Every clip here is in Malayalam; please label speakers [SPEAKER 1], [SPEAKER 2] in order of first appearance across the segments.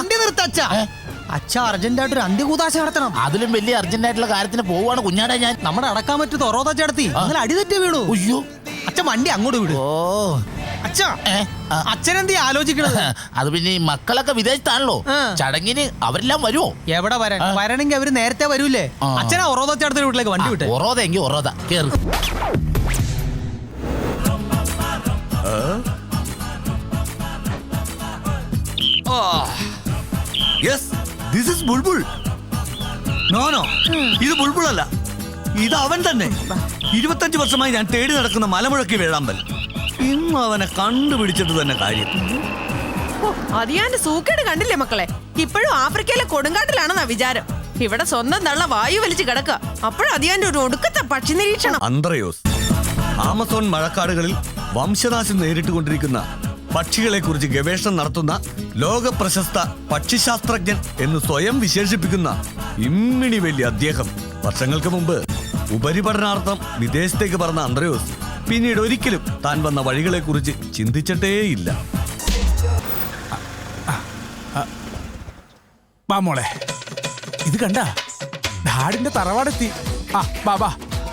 [SPEAKER 1] വണ്ടി നിർത്തച്ഛ. അച്ഛ അർജന്റായിട്ട് ഒരു അന്ത്യകൂതാശ നടത്തണം.
[SPEAKER 2] അതിലും വലിയ അർജന്റായിട്ടുള്ള കാര്യത്തിന് പോവാണ് കുഞ്ഞാടെ ഞാൻ.
[SPEAKER 1] നമ്മുടെ അടക്കാൻ പറ്റൂ തൊറോത ചേർത്തി അങ്ങനെ അടിതെറ്റി വീണു.
[SPEAKER 2] അയ്യോ
[SPEAKER 1] അച്ഛൻ വണ്ടി അങ്ങോട്ട് വിടും.
[SPEAKER 2] ഓ
[SPEAKER 1] അച്ഛാ അച്ഛനെന്തീ ആലോചിക്കണത്?
[SPEAKER 2] അത് പിന്നെ ഈ മക്കളൊക്കെ വിദേശത്താണല്ലോ. ചടങ്ങിന് അവരെല്ലാം വരുമോ?
[SPEAKER 1] എവിടെ വരാൻ? വരണമെങ്കിൽ അവര് നേരത്തെ വരൂലേ. അച്ഛനാ ഒറോത ചേർത്തിന്റെ വീട്ടിലേക്ക് വണ്ടി വിട്ടെ.
[SPEAKER 2] ഒറോത എങ്കിൽ ഒറോത കേറ്.
[SPEAKER 3] ഇത് ബുൾബുൾ അല്ല, ഇത് അവൻ തന്നെ. 25 വർഷമായി ഞാൻ തേടി നടക്കുന്ന മലമുഴക്കി വേഴാമ്പൽ. ഇന്ന് അവനെ കണ്ടുപിടിച്ചിട്ട് തന്നെ കാര്യം.
[SPEAKER 4] അതിയാന്റെ സൂക്കേട് കണ്ടില്ലേ മക്കളെ? ഇപ്പോഴും ആഫ്രിക്കയിലെ കൊടുങ്കാട്ടിലാണെന്നാ വിചാരം. ഇവിടെ സ്വന്തം തള്ള വായു വലിച്ചു കിടക്കുക. അപ്പോഴും അതിയാന്റെ ഒരു ഒടുക്കത്തെ പക്ഷി നിരീക്ഷണം.
[SPEAKER 3] അന്ത്രയോസ് ആമസോൺ മഴക്കാടുകളിൽ വംശനാശം നേരിട്ടുകൊണ്ടിരിക്കുന്ന പക്ഷികളെ കുറിച്ച് ഗവേഷണം നടത്തുന്ന ലോക പ്രശസ്ത പക്ഷിശാസ്ത്രജ്ഞൻ എന്ന് സ്വയം വിശേഷിപ്പിക്കുന്ന ഇമ്മിണി വലിയ അദ്ദേഹം വർഷങ്ങൾക്ക് മുമ്പ് ഉപരിപഠനാർത്ഥം വിദേശത്തേക്ക് പറഞ്ഞ അന്ത്രയോസ് പിന്നീട് ഒരിക്കലും താൻ വന്ന വഴികളെ കുറിച്ച് ചിന്തിച്ചിട്ടേയില്ല.
[SPEAKER 5] മോളെ ഇത് കണ്ട ഡാഡിന്റെ തറവാടെത്തി. ബാബാ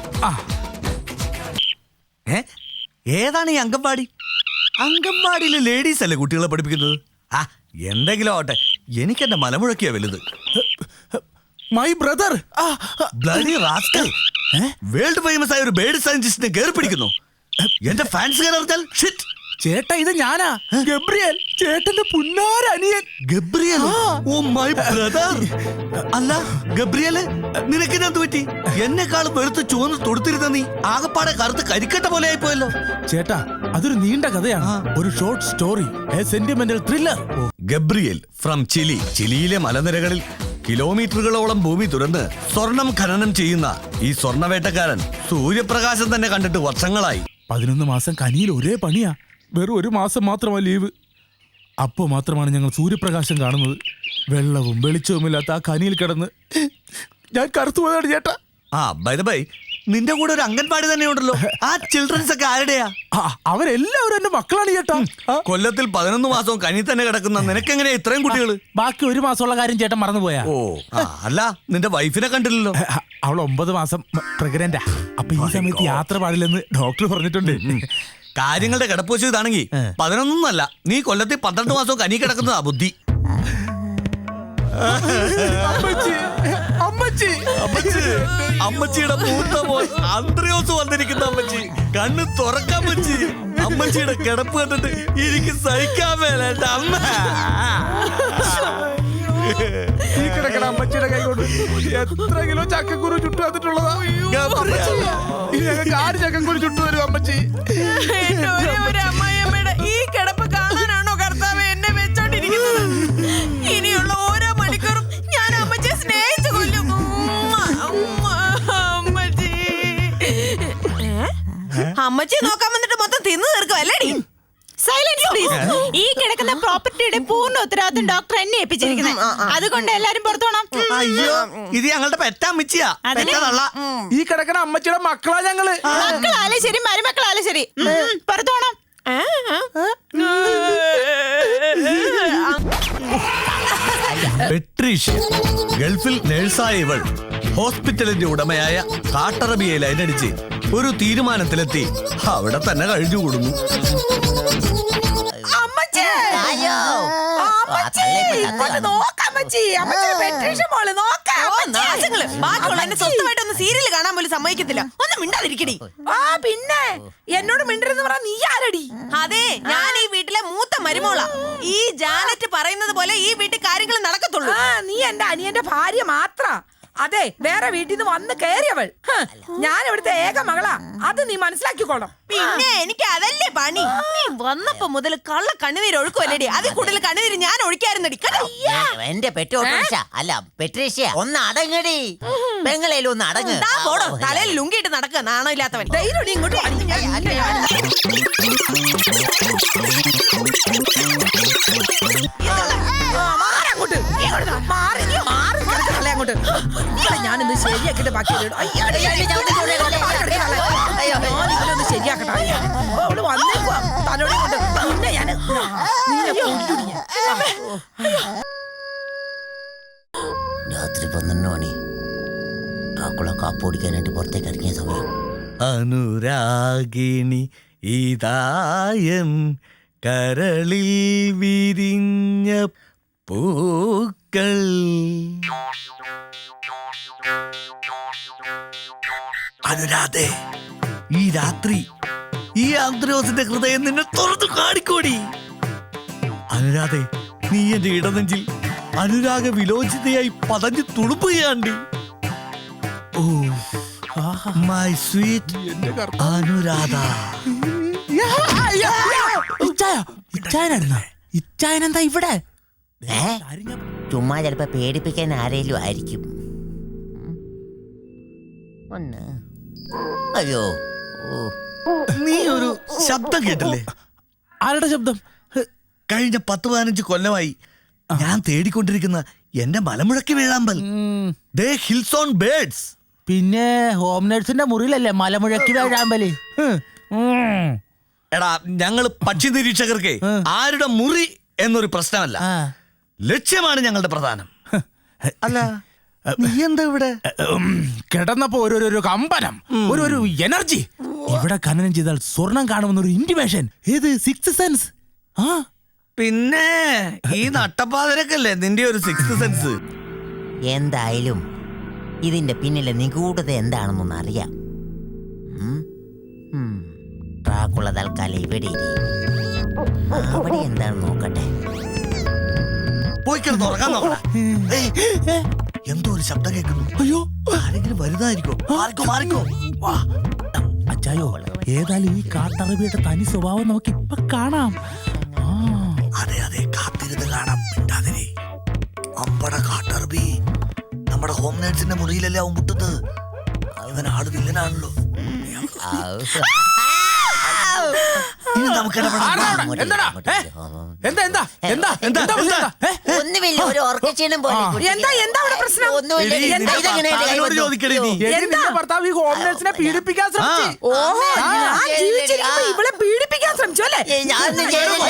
[SPEAKER 3] ഏതാണ് ഈ അംഗൻവാടി? അംഗൻവാടിയിലെ ലേഡീസ് അല്ലേ കുട്ടികളെ പഠിപ്പിക്കുന്നത്? എന്തെങ്കിലും ആവട്ടെ, എനിക്ക് എന്റെ മലമുഴക്കിയാ വലുത്.
[SPEAKER 5] My brother
[SPEAKER 3] bloody rascal, world famous ആയ ഒരു ബേർഡ് സയന്റിസ്റ്റിനെ കയറി പിടിക്കുന്നു. എന്റെ ഫാൻസ് കയറിയാൽ ഷിറ്റ്.
[SPEAKER 5] ചേട്ടാ ഇത് ഞാനാ, ഗബ്രിയേൽ, ചേട്ടന്റെ പുന്നാരനിയൻ.
[SPEAKER 3] ഗബ്രിയേൽ? Oh my brother. അല്ല ഗബ്രിയേല്, നിനക്കിനെന്ത് പറ്റി? എന്നെക്കാളും വെളുത്ത് ചുവന്ന് തൊടുത്തിരുന്ന നീ ആകപ്പാടെ കറുത്ത് കരിക്കട്ട പോലെ ആയിപ്പോയല്ലോ.
[SPEAKER 5] ചേട്ടാ അതൊരു നീണ്ട കഥയാണ്, ഒരു short story, a sentimental thriller.
[SPEAKER 3] Gabriel from Chile. ചിലിയിലെ മലനിരകളിൽ കിലോമീറ്ററുകളോളം ഭൂമി തുറന്ന് സ്വർണം ഖനനം ചെയ്യുന്ന ഈ സ്വർണവേട്ടക്കാരൻ സൂര്യപ്രകാശം തന്നെ കണ്ടിട്ട് വർഷങ്ങളായി.
[SPEAKER 5] 11 മാസം കനിയിൽ ഒരേ പണിയാ. വെറും 1 മാസം മാത്രമാണ് ലീവ്. അപ്പോൾ മാത്രമാണ് ഞങ്ങൾ സൂര്യപ്രകാശം കാണുന്നത്. വെള്ളവും വെളിച്ചവുമില്ലാത്ത ആ കനിയിൽ കിടന്ന് ഞാൻ കറുത്തുപോയതാണ് ചേട്ടാ.
[SPEAKER 3] ബൈ ദ ബൈ, നിന്റെ കൂടെ ഒരു അംഗൻവാടി തന്നെ ഉണ്ടല്ലോ. ആ ചിൽഡ്രൻസ് ഒക്കെ ആരുടെയാ?
[SPEAKER 5] അവരെല്ലാവരും എന്റെ മക്കളാണ് ചേട്ടാ.
[SPEAKER 3] കൊല്ലത്തിൽ 11 മാസവും കനി തന്നെ കിടക്കുന്ന നിനക്കെങ്ങനെയാ ഇത്രയും കുട്ടികൾ?
[SPEAKER 5] ബാക്കി 1 മാസമുള്ള കാര്യം ചേട്ടൻ മറന്നുപോയാ?
[SPEAKER 3] ഓ അല്ല, നിന്റെ വൈഫിനെ കണ്ടില്ലല്ലോ.
[SPEAKER 5] അവൾ 9 മാസം പ്രഗ്നന്റാ. അപ്പൊ ഈ സമയത്ത് യാത്ര പാടില്ലെന്ന് ഡോക്ടർ പറഞ്ഞിട്ടുണ്ട്.
[SPEAKER 3] കാര്യങ്ങളുടെ കിടപ്പുവശം ഇതാണെങ്കിൽ 11 നീ കൊല്ലത്തിൽ 12 മാസവും കനി കിടക്കുന്നതാ ബുദ്ധി. അമ്മച്ചിയുടെ മൂത്ത മോൻ അന്ത്രയോസ് വന്നിരിക്കുന്ന അമ്മച്ചി. കണ്ണ് തുറക്കാൻ അമ്മച്ചി. അമ്മച്ചിയുടെ കിടപ്പ് കണ്ടിട്ട് എനിക്ക് സഹിക്കാൻ മേലേട്ട അമ്മ.
[SPEAKER 5] ഈ കിടക്കണ അമ്മച്ചിയുടെ കൈ കൊണ്ട് എത്ര കിലോ ചക്കക്കുരു ചുട്ടു വന്നിട്ടുള്ളതാ. ഞങ്ങൾക്ക് 6 ചക്കക്കുരു ചുട്ടു തരും അമ്മച്ചി.
[SPEAKER 4] അമ്മായിയമ്മയുടെ ഈ കിടപ്പ് കാണാനാണോ കർത്താവ് എന്നെ വെച്ചോണ്ടിരിക്കുന്നത്? ഇനിയുള്ള ഓരോ മണിക്കൂറും ഞാൻ അമ്മച്ചിയെ സ്നേഹിച്ചു കൊല്ലും. അമ്മച്ചി നോക്കാൻ വന്നിട്ട് മൊത്തം തിന്നു തീർക്കുമല്ലേടി?
[SPEAKER 6] Silence please. ഈ കിടക്കുന്ന പ്രോപ്പർട്ടിയുടെ പൂർണ്ണ ഉത്തരവാദിത്വം ഡോക്ടർ എന്നെ ഏൽപ്പിച്ചിരിക്കുന്നത്. അതുകൊണ്ട് എല്ലാരും പുറത്തു പോണം.
[SPEAKER 3] അയ്യോ, ഇത് ഞങ്ങളുടെ പെറ്റമ്മച്ചിയാ.
[SPEAKER 5] ഈ കിടക്കണ അമ്മച്ചിയുടെ മക്കളാ ഞങ്ങള്.
[SPEAKER 6] മക്കളാലും ശരി മരുമക്കളാലും ശരി പുറത്തു പോണം.
[SPEAKER 3] പെട്രീഷ്യ, ഗൾഫിൽ നേഴ്സായ ഇവൾ ഹോസ്പിറ്റലിന്റെ ഉടമയായ കാട്ടറബിയെ ലൈനടിച്ച് ഒരു തീരുമാനത്തിലെത്തി അവിടെ തന്നെ കഴിഞ്ഞുകൂടുന്നു.
[SPEAKER 4] സ്വന്തമായിട്ടൊന്ന് സീരിയൽ കാണാൻ പോലും സമ്മതിക്കത്തില്ല. ഒന്ന് മിണ്ടാതിരിക്കടി.
[SPEAKER 6] പിന്നെ എന്നോട് മിണ്ടരുന്ന് പറഞ്ഞ നീ ആരടി?
[SPEAKER 4] അതെ, ഞാൻ ഈ വീട്ടിലെ മൂത്ത മരുമോളാ. ഈ ജാനറ്റ് പറയുന്നത് പോലെ ഈ വീട്ടിൽ കാര്യങ്ങൾ നടക്കത്തുള്ളൂ.
[SPEAKER 6] നീ എന്റെ അനിയന്റെ ഭാര്യ മാത്ര. അതെ, വേറെ വീട്ടിൽ നിന്ന് വന്ന് കയറിയവൾ. ഞാൻ ഇവിടുത്തെ ഏക മകളാ, അത് നീ മനസ്സിലാക്കിക്കോണം.
[SPEAKER 4] പിന്നെ എനിക്ക് അതല്ലേ പണി. നീ വന്നപ്പോ മുതൽ കള്ള കണ്ണുനീര് ഒഴുക്കുമല്ലേടി. അതിൽ കൂടുതൽ കണ്ണുനീര് ഞാൻ ഒഴിക്കായിരുന്നടി.
[SPEAKER 7] എന്റെ അല്ല പെട്രീഷ്യ, ഒന്ന് അടങ്ങടി. പെങ്ങളേലും ഒന്ന് അടങ്ങ്.
[SPEAKER 4] പോടോ, തലയിൽ ലുങ്കിയിട്ട് നടക്കുക നാണോ ഇല്ലാത്തവൻ. ഇങ്ങോട്ട്
[SPEAKER 6] ഞാനിന്ന് ശരിയാക്കിട്ട് ബാക്കി ശരിയാക്കട്ടെ. അവള് വന്നേക്കുവാ തലോടെ കൊണ്ട്. പിന്നെ ഞാൻ
[SPEAKER 7] രാത്രി 12 മണി. ഡ്രാക്കുള കാപ്പ് ഓടിക്കാനായിട്ട് പുറത്തേക്ക് ഇറങ്ങിയ സമയം.
[SPEAKER 3] അനുരാഗിണി ഇതായൻ കരളിൽ വിരിഞ്ഞ പൂക്കൾ. അനുരാധേ, ഈ രാത്രി ഈ ആന്ത്രോസിന്റെ ഹൃദയം നിന്നെ തുറന്നു കാണിക്കോടി. അനുരാധേ, നീ എന്റെ ഇടനെഞ്ചിൽ അനുരാഗ വിലോചിതയായി പതഞ്ഞു തുളുമ്പുകയാണ്ടി. Oh my sweet Anuradha.
[SPEAKER 2] ഇച്ചായനെന്താ ഇവിടെ?
[SPEAKER 7] ചുമ്മാ ചിലപ്പോ പേടിപ്പിക്കാൻ ആരേലും ആയിരിക്കും. ഒന്ന്. അയ്യോ,
[SPEAKER 3] നീ ഒരു ശബ്ദം കേട്ടില്ലേ?
[SPEAKER 5] ആരുടെ ശബ്ദം?
[SPEAKER 3] കഴിഞ്ഞ 10-15 കൊല്ലമായി ഞാൻ തേടിക്കൊണ്ടിരിക്കുന്ന എന്റെ മലമുഴക്കി വേഴാമ്പൽ. The hills on birds.
[SPEAKER 2] പിന്നെ ഹോം നേഴ്സിന്റെ മുറിയിലല്ലേ മലമുഴക്കി വേഴാമ്പല്?
[SPEAKER 3] എടാ, ഞങ്ങള് പക്ഷി നിരീക്ഷകർക്ക് ആരുടെ മുറി എന്നൊരു പ്രശ്നമല്ല, ലക്ഷ്യമാണ് ഞങ്ങളുടെ പ്രധാനം. അല്ല, നീ എന്താ ഇവിടെ?
[SPEAKER 5] കിടന്നപ്പോ ഒരു കമ്പനം, ഒരു എനർജി. ഇവിടെ ഖനനം ചെയ്താൽ സ്വർണം കാണുമെന്നൊരു ഇന്റിമേഷൻ. ഏത് സിക്സ് സെൻസ്? ആ
[SPEAKER 3] പിന്നെ ഈ നട്ടപ്പാതിരക്കല്ലേ നിന്റെ ഒരു സിക്സ് സെൻസ്.
[SPEAKER 7] എന്തായാലും ഇതിന്റെ പിന്നിലെ നിഗൂഢത എന്താണെന്നൊന്ന് അറിയാം. ഡ്രാക്കുള തൽക്കാലം ഇവിടെ ഇരി. അവിടെ എന്താണെന്ന് നോക്കട്ടെ.
[SPEAKER 3] പോയി കിടന്ന് ഉറങ്ങാൻ നോക്കണ. എന്തോ ഒരു ശബ്ദം കേൾക്കുന്നു. അയ്യോ, ആരെങ്കിലും വരുന്നതായിരിക്കും. മാറിക്കോ.
[SPEAKER 5] അച്ചായോ, ഏതായാലും ഈ കാട്ടറബിയുടെ തനി സ്വഭാവം നമുക്ക് ഇപ്പൊ കാണാം.
[SPEAKER 3] അതെ, കാത്തിരുന്ന് കാണാം. മിണ്ടാതിരി. അമ്പട കാട്ടറബി നമ്മുടെ ഹോം നേഴ്സിന്റെ മുറിയിലല്ലേ അവൻ മുട്ടുന്നത്. അവൻ ആള് വില്ലനാണല്ലോ. ഇനി നമുക്ക്
[SPEAKER 7] ഒന്നുമില്ല, ഒരു ഓർക്കക്ഷീണം പോലെ.
[SPEAKER 6] എന്താ അവിടെ പ്രശ്നം?
[SPEAKER 3] ചോദിക്കണേ നീ.
[SPEAKER 5] ഭർത്താവ് ഈ ഹോം നേഴ്സിനെ പീഡിപ്പിക്കാൻ ശ്രമിച്ചു.
[SPEAKER 6] ഓഹോ, ഞാൻ ജീവിച്ചിരിക്കുമ്പോ ഇവളെ പീഡിപ്പിക്കാൻ ശ്രമിച്ചു അല്ലേ?
[SPEAKER 7] ഞാനൊന്നും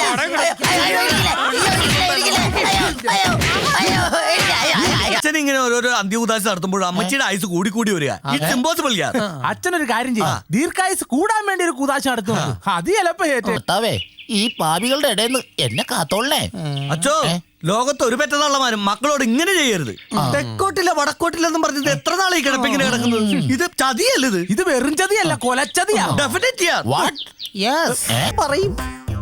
[SPEAKER 3] അച്ഛൻ ഇങ്ങനെ ഓരോരോ അന്ത്യഉദാശ നടത്തുമ്പോൾ അമ്മച്ചിയുടെ ആയുസ് കൂടി വരിക. It's impossible.
[SPEAKER 5] അച്ഛനൊരു കാര്യം ചെയ്യും, ദീർഘായുസ് കൂടാൻ വേണ്ടി ഒരു കുതാശ നടത്തുന്നു. അത് ചിലപ്പോ
[SPEAKER 2] ഭർത്താവേ, ഈ പാപികളുടെ ഇടയിൽ നിന്ന് എന്നെ കാത്തോളേ.
[SPEAKER 3] അച്ഛോ, ലോകത്ത് ഒരു പെറ്റതള്ളമാരും മക്കളോട് ഇങ്ങനെ ചെയ്യരുത്. തെക്കോട്ടില്ല വടക്കോട്ടില്ലെന്നും പറഞ്ഞത് എത്ര നാളെ കിടപ്പിങ്ങനെ കിടക്കുന്നത്? ഇത് ചതിയല്ലത്.
[SPEAKER 5] ഇത് വെറും ചതിയല്ല, കൊലച്ചതിയാ.
[SPEAKER 3] ഡെഫിനറ്റ്.
[SPEAKER 8] പറയും.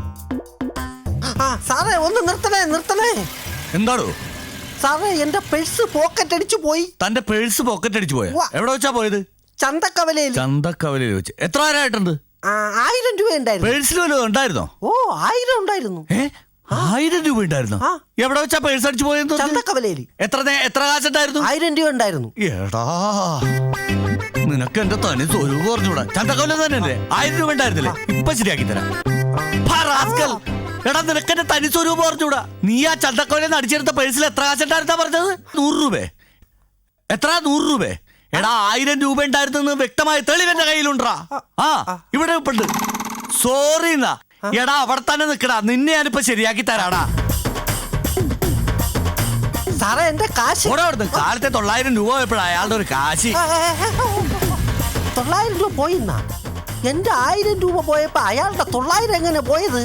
[SPEAKER 8] സാറേ, ഒന്ന് നിർത്തണേ.
[SPEAKER 3] എന്താണോ
[SPEAKER 8] സാറേ, എന്റെ പേഴ്സ് പോക്കറ്റ് അടിച്ചു പോയി.
[SPEAKER 3] തന്റെ പേഴ്സ് പോക്കറ്റ് അടിച്ചു പോയ? എവിടെ വെച്ചാ പോയത്?
[SPEAKER 8] ചന്തക്കവലയിൽ
[SPEAKER 3] വെച്ച്. എത്ര ആരായിട്ടുണ്ട്?
[SPEAKER 8] 1000 രൂപ ഉണ്ടായിരുന്നു.
[SPEAKER 3] പേഴ്സിൽ വല്ലതും ഉണ്ടായിരുന്നോ?
[SPEAKER 8] ഓ, 1000 ഉണ്ടായിരുന്നു.
[SPEAKER 3] 1000 രൂപ ഉണ്ടായിരുന്നോ? എവിടെ വെച്ചാ പേഴ്സ് അടിച്ചു പോയത്?
[SPEAKER 8] ചന്തക്കവലയിൽ.
[SPEAKER 3] എത്ര കാശുണ്ടായിരുന്നു?
[SPEAKER 8] 1000 രൂപ ഉണ്ടായിരുന്നു.
[SPEAKER 3] എടാ, നിനക്ക് എന്റെ തനി സ്വരൂപം പറഞ്ഞൂടാ. ചന്തക്കവല തന്നെ 1000 രൂപ ഉണ്ടായിരുന്നില്ലേ? ഇപ്പൊ ശരിയാക്കി തരാം. എടാ, നിനക്ക് എന്റെ തനി സ്വരൂപം പറഞ്ഞൂടാ. നീ ആ ചന്തക്കവലെന്ന് അടിച്ചെടുത്ത പേഴ്സിൽ എത്ര കാശുണ്ടായിരുന്നാ പറഞ്ഞത്? 100 രൂപ. എത്ര? 100 രൂപ. എടാ, 1000 രൂപ ഉണ്ടായിരുന്നെന്ന് വ്യക്തമായ തെളിവെന്റെ കയ്യിലുണ്ടാ. ഇവിടെ ഉണ്ട്. സോറി എന്നാ. എടാ, അവിടെ തന്നെ നിക്കടാ. നിന്നെ ഞാനിപ്പോ ശരിയാക്കി തരാടാ.
[SPEAKER 8] സാറേ, എന്റെ കാശ്.
[SPEAKER 3] കാലത്തെ 900 രൂപ പോയപ്പോഴാ അയാളുടെ ഒരു കാശ്.
[SPEAKER 8] 900 രൂപ പോയിന്നാ? എന്റെ 1000 രൂപ പോയപ്പോ അയാളുടെ 900 എങ്ങനെ പോയത്?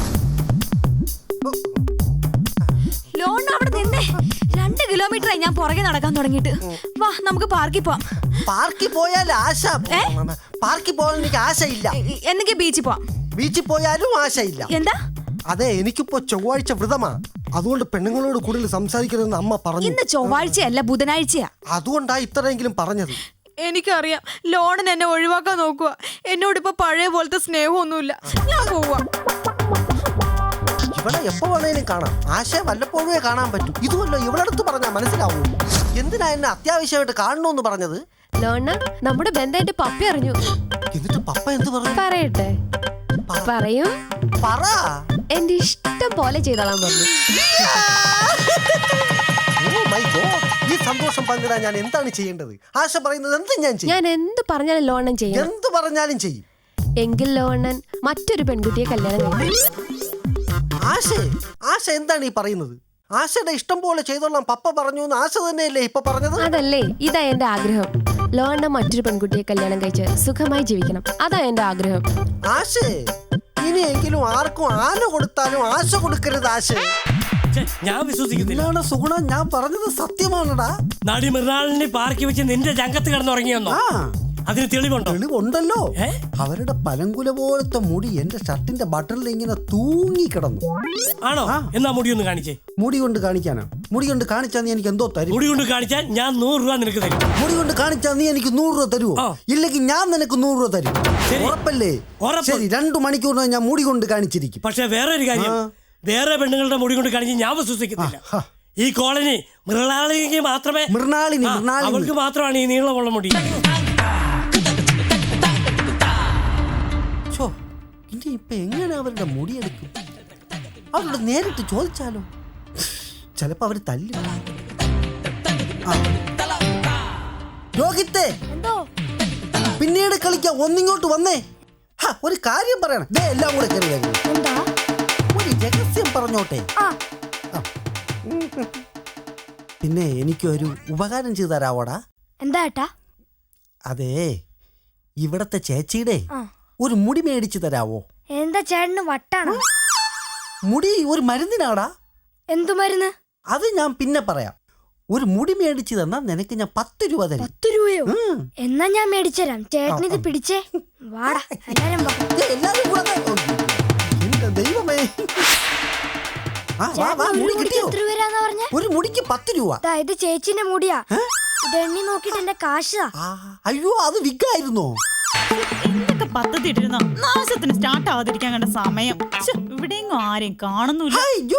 [SPEAKER 9] ലോൺ അവിടെ നിന്നേ 2 കിലോമീറ്ററായി ഞാൻ പുറകെ നടക്കാൻ തുടങ്ങിയിട്ട്. വാ, നമുക്ക് പാർക്കിൽ പോവാം.
[SPEAKER 8] പാർക്കിൽ പോയാൽ ആശ. പാർക്കിൽ പോകാൻ എനിക്ക് ആശയില്ല.
[SPEAKER 9] എന്തെങ്കിലും ബീച്ചിൽ പോവാം.
[SPEAKER 8] ബീച്ചിൽ പോയാലും ആശയില്ല.
[SPEAKER 9] എന്താ?
[SPEAKER 8] അതെ, എനിക്കിപ്പോ ചൊവ്വാഴ്ച വ്രതമാ. അതുകൊണ്ട് പെണ്ണുങ്ങളോട് കൂടുതൽ സംസാരിക്കരുതെന്ന് അമ്മ പറഞ്ഞു.
[SPEAKER 9] ഇന്ന് ചൊവ്വാഴ്ചയല്ല, ബുധനാഴ്ചയാ.
[SPEAKER 8] അതുകൊണ്ടാ ഇത്രയെങ്കിലും പറഞ്ഞത്.
[SPEAKER 4] എനിക്കറിയാം, ലോണിന് എന്നെ ഒഴിവാക്കാൻ നോക്കുക. എന്നോടിപ്പോ പഴയ പോലത്തെ സ്നേഹമൊന്നുമില്ല. ഞാൻ പോവാ.
[SPEAKER 8] ഇവളെ എപ്പോ വേണേലും കാണാം. ആശയെ വല്ലപ്പോഴേ കാണാൻ പറ്റും. ഇതുമല്ലോ ഇവളടുത്ത് പറഞ്ഞാൽ മനസ്സിലാവൂ. എന്തിനാ എന്നെ അത്യാവശ്യമായിട്ട് കാണണമെന്ന് പറഞ്ഞത്?
[SPEAKER 9] ലോണ, നമ്മുടെ ബന്ധം എന്റെ പപ്പ അറിഞ്ഞു.
[SPEAKER 8] എന്നിട്ട് പപ്പ എന്ത് പറഞ്ഞു?
[SPEAKER 9] പറയട്ടെ? പറയൂ.
[SPEAKER 8] പറ.
[SPEAKER 9] എന്റെ ഇഷ്ടം പോലെ ചെയ്തോളാൻ പറഞ്ഞു.
[SPEAKER 8] ഈ സന്തോഷം പങ്കിടാൻ ഞാൻ എന്താണ് ചെയ്യേണ്ടത്? ആശ പറയുന്നത് എന്തും ഞാൻ ചെയ്യും.
[SPEAKER 9] ഞാൻ എന്ത് പറഞ്ഞാലും ലോണൻ ചെയ്യും.
[SPEAKER 8] എന്ത് പറഞ്ഞാലും ചെയ്യും.
[SPEAKER 9] എങ്കിൽ ലോണൻ മറ്റൊരു പെൺകുട്ടിയെ കല്യാണം കഴിക്കും.
[SPEAKER 8] ആശ എന്താണ് ഈ പറയുന്നത്? ആശയുടെ ഇഷ്ടം പോലെ ചെയ്തോളാം പപ്പ പറഞ്ഞു എന്ന് ആശ തന്നെയല്ലേ ഇപ്പൊ പറഞ്ഞത്?
[SPEAKER 10] അതല്ലേ, ഇതാ എന്റെ ആഗ്രഹം. ലോണ്ണ മറ്റൊരു പെൺകുട്ടിയെ കല്യാണം കഴിച്ച് സുഖമായി ജീവിക്കണം. അതാ എന്റെ ആഗ്രഹം.
[SPEAKER 8] ആശേ, ഇനിയെങ്കിലും ആർക്കും ആന കൊടുത്താലും ആശ കൊടുക്കരുത് ആശ.
[SPEAKER 11] ഞാൻ വിശ്വസിക്കുന്നില്ല.
[SPEAKER 8] സുഗുണ, ഞാൻ പറഞ്ഞത് സത്യമാണടാ.
[SPEAKER 11] നടി മൃണാളിനെ പാർക്കി വെച്ച് നിന്റെ രംഗത്ത് കിടന്നുറങ്ങിയെന്നോ? അതിന് തെളിവുണ്ടോ?
[SPEAKER 8] തെളിവുണ്ടല്ലോ. അവരുടെ പലങ്കുല പോലത്തെ മുടി എന്റെ ഷർട്ടിന്റെ ബട്ടണിൽ ഇങ്ങനെ തൂങ്ങി കിടന്നു.
[SPEAKER 11] ആണോ? എന്നാ മുടി ഒന്ന് കാണിച്ചേ.
[SPEAKER 8] മുടി കൊണ്ട് കാണിക്കാനാ? മുടി കൊണ്ട് കാണിച്ചാ നീ എനിക്ക് എന്തോ തരും?
[SPEAKER 11] മുടി കൊണ്ട് കാണിച്ചാൽ ഞാൻ 100 രൂപ നിനക്ക് തരും.
[SPEAKER 8] മുടി കൊണ്ട് കാണിച്ചാ നീ എനിക്ക് 100 രൂപ തരുമോ? ഇല്ലെങ്കിൽ ഞാൻ നിനക്ക് 100 രൂപ തരും. ഉറപ്പല്ലേ? ശരി, 2 മണിക്കൂറിന് ഞാൻ മുടി കൊണ്ട് കാണിച്ചിരിക്കും.
[SPEAKER 11] പക്ഷെ വേറെ ഒരു കാര്യം, വേറെ പെണ്ണുങ്ങളുടെ മുടി കൊണ്ട് കാണിച്ച് ഞാൻ വിശ്വസിക്കുന്നില്ല. ഈ കോളനി മൃണാളിക്ക് മാത്രമേ, അവൾക്ക് മാത്രമാണ് ഈ നീളമുള്ള മുടി.
[SPEAKER 8] ഇനി ഇപ്പൊ എങ്ങനെ അവരുടെ മുടിയെടുക്കും? അവരോട് നേരിട്ട് ചോദിച്ചാലോ? ചിലപ്പോ അവര് തല്ലും. രോഹിത്തേ, പിന്നീട് കളിക്കാം, ഒന്നിങ്ങോട്ട് വന്നേ. ഒരു കാര്യം പറയണം. എല്ലാം കൂടെ കയറി വരുന്നു. ഒരു രഹസ്യം പറഞ്ഞോട്ടെ. പിന്നെ എനിക്കൊരു ഉപകാരം ചെയ്തു തരാവോടാ?
[SPEAKER 9] എന്താ ഏട്ടാ?
[SPEAKER 8] അതെ, ഇവിടത്തെ ചേച്ചിയുടെ ഒരു മുടി മേടിച്ചു തരാവോ?
[SPEAKER 9] എന്താ ചേട്ടന് വട്ടാണോ?
[SPEAKER 8] മുടി ഒരു മരുന്നിനാടാ.
[SPEAKER 9] എന്തു മരുന്ന്?
[SPEAKER 8] അത് ഞാൻ പിന്നെ പറയാം. ഒരു മുടി മേടിച്ചു തന്നാ നിനക്ക് ഞാൻ 10 രൂപ തരും.
[SPEAKER 9] 10 രൂപയോ? എന്നാ ഞാൻ മേടിച്ചുതരാം. ചേട്ടൻ ഇത് പിടിച്ചേ. വാടാ, എല്ലാരും വാ.
[SPEAKER 8] എല്ലാരും കൂടെ. എന്റെ ദൈവമേ.
[SPEAKER 9] എത്ര രൂപരാന്ന് പറഞ്ഞ?
[SPEAKER 8] ഒരു മുടിക്ക് 10 രൂപ.
[SPEAKER 9] ഇത് ചേച്ചിന്റെ മുടിയാ. ഇത് എണ്ണി നോക്കിട്ട് എന്റെ കാശാ.
[SPEAKER 8] അയ്യോ, അത് വിഗായിരുന്നോ?
[SPEAKER 12] എന്തൊക്കെ പദ്ധതി ഇട്ടിരുന്നോ? നാശത്തിന് സ്റ്റാർട്ട് ആവാതിരിക്കാൻ കണ്ട സമയം. ഇവിടെയെങ്ങും ആരെയും കാണുന്നില്ല.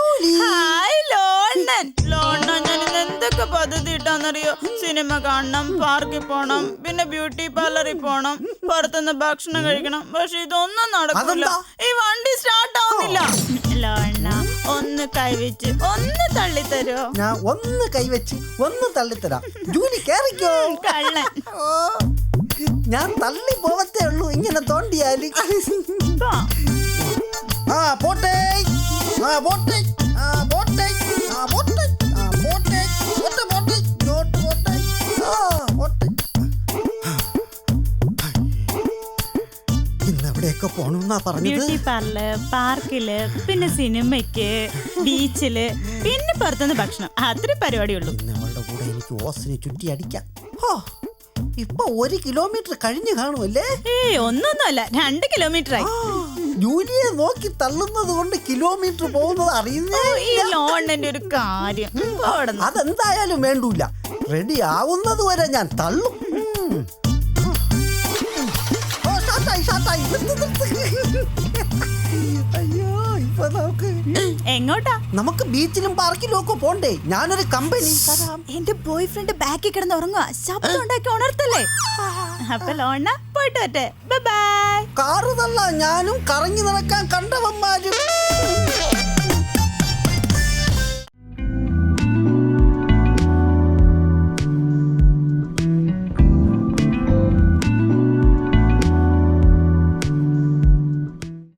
[SPEAKER 12] ഞാൻ എന്തൊക്കെ പദ്ധതി ഇട്ടാന്നറിയോ? സിനിമ കാണണം, പാർക്കിൽ പോണം, പിന്നെ ബ്യൂട്ടി പാർലറിൽ പോണം, പുറത്തുനിന്ന് ഭക്ഷണം കഴിക്കണം. പക്ഷെ ഇതൊന്നും നടക്കില്ല. ഈ വണ്ടി സ്റ്റാർട്ട് ആവുന്നില്ല. ലോണ്ണ ഒന്ന് കൈവച്ച് ഒന്ന് തള്ളിത്തരോ?
[SPEAKER 8] ഞാൻ ഒന്ന് കൈവച്ച് ഒന്ന് തള്ളിത്തരാം. ജൂലി കേറിക്കോ.
[SPEAKER 12] കള്ളൻ.
[SPEAKER 8] ഞാൻ തള്ളി പോവത്തേ ഉള്ളൂ ഇങ്ങനെ തോണ്ടിയാല്. പോട്ടെ പോട്ടെ പോട്ടെ പോട്ടെ പോട്ടെ പോട്ടെ പോട്ടെ. ഇന്ന് എവിടെയൊക്കെ പോണെന്നാ പറഞ്ഞത്?
[SPEAKER 12] ബ്യൂട്ടി പാർലർ, പാർക്കില്, പിന്നെ സിനിമയ്ക്ക്, ബീച്ചില്, പിന്നെ പുറത്തുനിന്ന് ഭക്ഷണം. അത്ര പരിപാടിയുള്ളൂ.
[SPEAKER 8] അവളുടെ കൂടെ എനിക്ക് ഓസിനെ ചുറ്റി അടിക്കാം. ഇപ്പൊ 1 കിലോമീറ്റർ കഴിഞ്ഞു കാണുമല്ലേ?
[SPEAKER 12] ഒന്നൊന്നുമല്ല, 2 കിലോമീറ്റർ ആയി.
[SPEAKER 8] ജൂലിയെ നോക്കി തള്ളുന്നത് കൊണ്ട് കിലോമീറ്റർ പോകുന്നത് അറിയുന്നേ.
[SPEAKER 12] ഈ ലോണിന്റെ ഒരു കാര്യം.
[SPEAKER 8] അതെന്തായാലും വേണ്ടൂല. റെഡി ആവുന്നത് വരെ ഞാൻ തള്ളും. അയ്യോ, ഇപ്പൊ
[SPEAKER 12] എങ്ങോട്ടാ?
[SPEAKER 8] നമുക്ക് ബീച്ചിലും പാർക്കിലും ഒക്കെ പോണ്ടേ? ഞാനൊരു കമ്പനി തരാം.
[SPEAKER 12] എന്റെ ബോയ് ഫ്രണ്ട് ബാക്കിൽ കിടന്ന് ഉറങ്ങുക. ശബ്ദം ഉണ്ടാക്കി ഉണർത്തല്ലേ? അപ്പൊ ലോണ പോയിട്ട് വരട്ടെ. Bye bye.
[SPEAKER 8] കാറ് തള്ള ഞാനും കറങ്ങി നടക്കാൻ കണ്ടവന്മാരും.